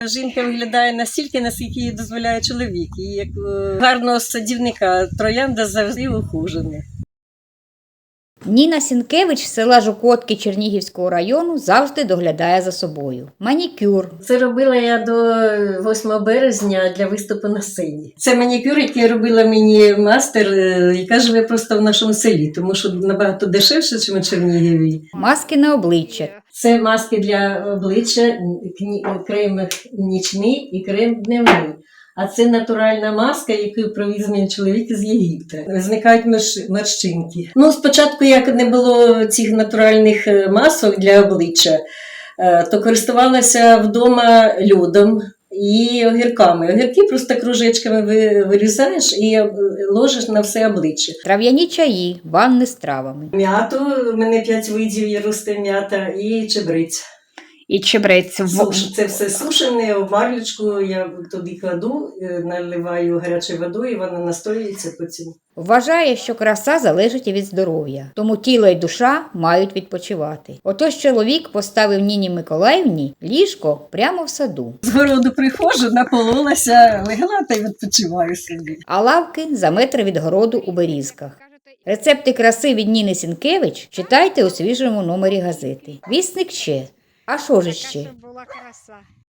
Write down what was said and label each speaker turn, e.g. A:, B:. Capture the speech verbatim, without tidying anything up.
A: Жінка виглядає настільки, наскільки їй дозволяє чоловік. І як е, гарного садівника троянда завжди ухожена.
B: Ніна Сінкевич з села Жукотки Чернігівського району завжди доглядає за собою. Манікюр.
A: Це робила я до восьмого березня для виступу на сцені. Це манікюр, який робила мені мастер, е, яка живе просто в нашому селі, тому що набагато дешевше, ніж у Чернігові.
B: Маски на обличчя.
A: Це маски для обличчя, кні- крем нічний і крем дневний. А це натуральна маска, яку привіз мені чоловік з Єгипта. Зникають мерш- морщинки. Ну, спочатку, як не було цих натуральних е, масок для обличчя, е, то користувалася вдома льодом і огірками. Огірки просто кружечками ви- вирізаєш і е, ложиш на все обличчя.
B: Трав'яні чаї, ванни з травами.
A: М'яту, у мене п'ять видів є, росте м'ята, і чебрець.
B: І чебрець.
A: Суш, це все сушене, в марлючку я туди кладу, е, наливаю гарячою водою, і вона настоюється потім.
B: Вважає, що краса залежить і від здоров'я, тому тіло і душа мають відпочивати. Отож чоловік поставив Ніні Миколаївні ліжко прямо в саду,
A: З городу приходжу, напололася, легла та й відпочиваю собі.
B: а лавки за метр від городу у Берізках. Рецепти краси від Ніни Сінкевич читайте у свіжому номері газети. Вісник ще. А що ж ще?
C: Була краса.